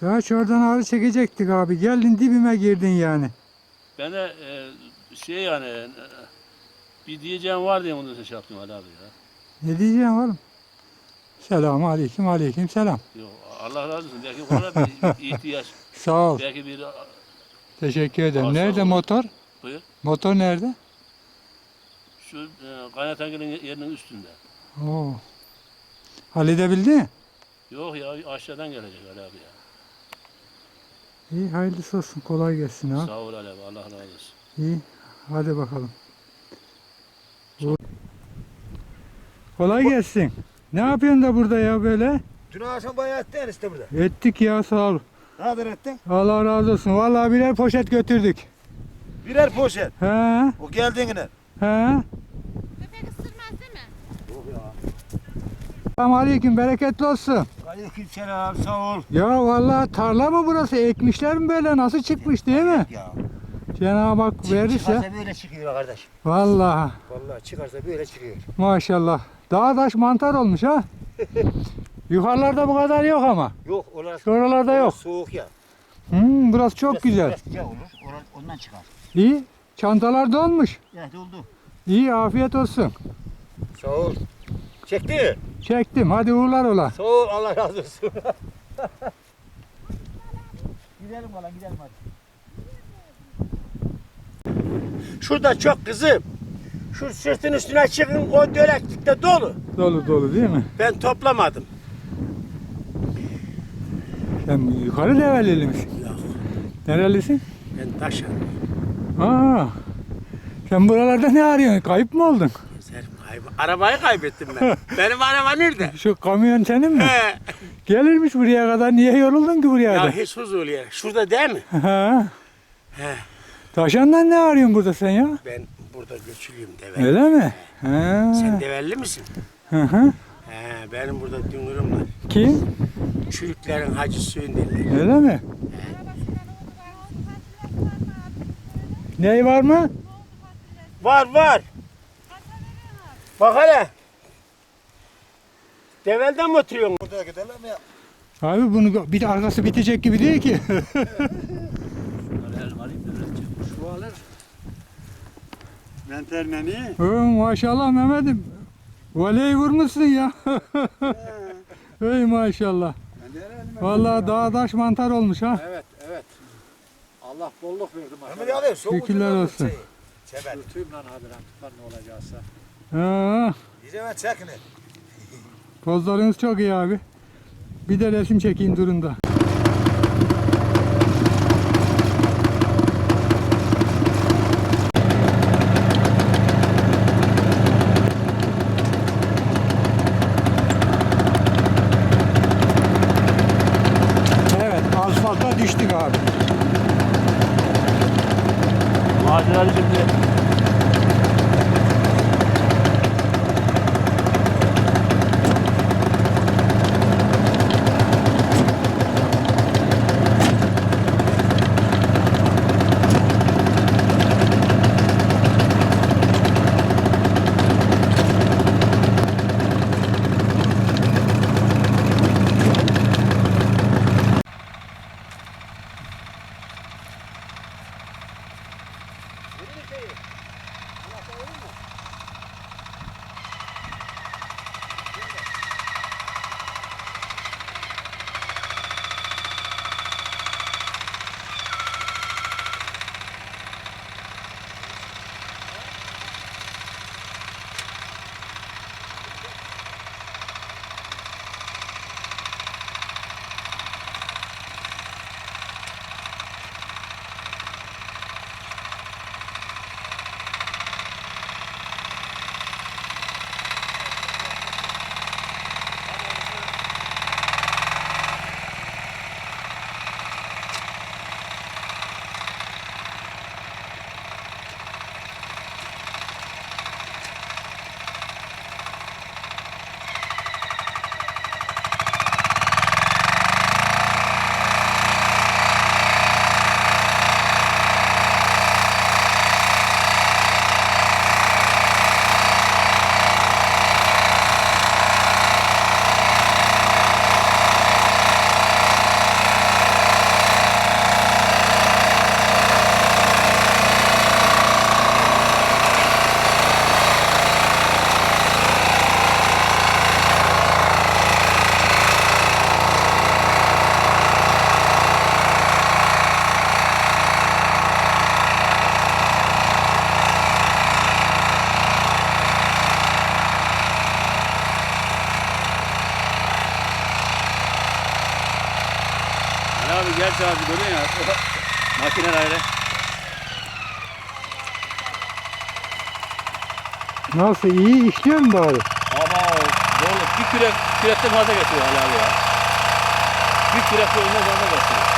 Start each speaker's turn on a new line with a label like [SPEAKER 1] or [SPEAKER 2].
[SPEAKER 1] Ya oradan ağrı çekecektik abi. Geldin dibime girdin yani.
[SPEAKER 2] Ben de yani bir diyeceğim var diye onu şey yaptım Ali abi ya.
[SPEAKER 1] Ne diyeceğim oğlum? Selamun aleyküm, aleyküm selam.
[SPEAKER 2] Yok Allah razı olsun. Belki ona bir ihtiyaç.
[SPEAKER 1] Sağ ol.
[SPEAKER 2] Belki bir
[SPEAKER 1] Teşekkür ederim.
[SPEAKER 2] Sağ
[SPEAKER 1] Nerede
[SPEAKER 2] ol.
[SPEAKER 1] motor?
[SPEAKER 2] buyur.
[SPEAKER 1] Motor nerede?
[SPEAKER 2] Şu kaynatangilin yerinin üstünde.
[SPEAKER 1] Oo. Halledebildin mi?
[SPEAKER 2] Yok ya aşağıdan gelecek Ali abi ya.
[SPEAKER 1] İyi hayırlısı olsun. Kolay gelsin ha.
[SPEAKER 2] Sağ ol Ali abi. Allah razı olsun.
[SPEAKER 1] İyi. Hadi bakalım. Kolay gelsin. Ne yapıyorsun da burada ya böyle?
[SPEAKER 3] Dün akşam bayağı ettin işte burada.
[SPEAKER 1] Ettik ya sağ ol.
[SPEAKER 3] Ne kadar ettin?
[SPEAKER 1] Allah razı olsun. Vallahi birer poşet götürdük.
[SPEAKER 3] Birer poşet.
[SPEAKER 1] He.
[SPEAKER 3] O geldiğine.
[SPEAKER 1] He.
[SPEAKER 4] Köpek ısırmaz değil mi?
[SPEAKER 3] Yok ya.
[SPEAKER 1] Selamun aleyküm. Bereketli olsun.
[SPEAKER 3] Aleykümselam sağ ol.
[SPEAKER 1] Ya vallahi tarla mı burası? Ekmişler mi böyle? Nasıl çıkmış değil mi?
[SPEAKER 3] Ya.
[SPEAKER 1] Cenab-ı Hak verirse.
[SPEAKER 3] Çıkarsa böyle çıkıyor kardeş.
[SPEAKER 1] Vallahi
[SPEAKER 3] Vallahi çıkarsa böyle çıkıyor.
[SPEAKER 1] maşallah. Dağ taş mantar olmuş ha. Yukarılarda bu kadar yok ama.
[SPEAKER 3] Yok orası.
[SPEAKER 1] Şuralarda yok.
[SPEAKER 3] Soğuk ya.
[SPEAKER 1] Burası çok güzel.
[SPEAKER 3] Biraz sıcak olur. Ondan çıkar.
[SPEAKER 1] İyi. Çantalar dolmuş.
[SPEAKER 3] Ya doldu.
[SPEAKER 1] İyi afiyet olsun.
[SPEAKER 3] Sağ ol. Çekti.
[SPEAKER 1] Çektim. Hadi uğurlar ola.
[SPEAKER 3] Sağ ol Allah razı olsun. Gidelim valla gidelim hadi. Şurada çok kızım. Şu sırtın üstüne çıkın o döleklikte dolu.
[SPEAKER 1] Dolu dolu değil mi?
[SPEAKER 3] Ben toplamadım.
[SPEAKER 1] Sen yukarı Develili misin?
[SPEAKER 3] Yok.
[SPEAKER 1] Nerelisin?
[SPEAKER 3] Ben taşım.
[SPEAKER 1] Aa. Sen buralarda ne arıyorsun? Kayıp mı oldun?
[SPEAKER 3] Arabayı kaybettim ben. Benim araba nerede?
[SPEAKER 1] Şu kamyon senin mi?
[SPEAKER 3] He.
[SPEAKER 1] Gelirmiş buraya kadar. Niye yoruldun ki buraya
[SPEAKER 3] Ya
[SPEAKER 1] da?
[SPEAKER 3] hiç huzur yer. Şurada değil mi?
[SPEAKER 1] Ha.
[SPEAKER 3] He.
[SPEAKER 1] Taşandan ne arıyorsun burada sen ya?
[SPEAKER 3] Ben burada göçülüyüm develli.
[SPEAKER 1] Öyle mi? Ha.
[SPEAKER 3] Sen develli misin?
[SPEAKER 1] Hı hı.
[SPEAKER 3] He, benim burada dünürüm var.
[SPEAKER 1] Kim?
[SPEAKER 3] Çürüklerin Hacı Suyun derler.
[SPEAKER 1] Öyle mi? Ney var mı?
[SPEAKER 3] Var var. Bak hele. Develden mi oturuyorsun? Burada gidelim ya.
[SPEAKER 1] Abi bunu bir de arkası bitecek gibi değil ki.
[SPEAKER 3] Şu alır. Mentermeni.
[SPEAKER 1] Maşallah Mehmet'im. Voleyi vurmuşsun ya. Ey maşallah. Vallahi dağ taş mantar olmuş ha.
[SPEAKER 5] Evet, evet. Allah bolluk verdi
[SPEAKER 3] Mehmet
[SPEAKER 5] maşallah.
[SPEAKER 3] abi soğuk.
[SPEAKER 1] Şükürler olsun.
[SPEAKER 3] Sever.
[SPEAKER 5] Sürtüyüm lan hadiren tutar ne olacaksa.
[SPEAKER 1] Ha,
[SPEAKER 3] Diyeceğim çekin.
[SPEAKER 1] pozlarınız çok iyi abi. Bir de resim çekeyim durun da. Evet, asfalta düştük abi.
[SPEAKER 2] Maceralı şimdi. abi gerçi abi görüyor ya. Makineler ayrı.
[SPEAKER 1] Nasıl iyi işliyor mu bari?
[SPEAKER 2] Ama doğru bir kürekten fazla getiriyor Ali abi ya. Bir kürek yolundan fazla getiriyor.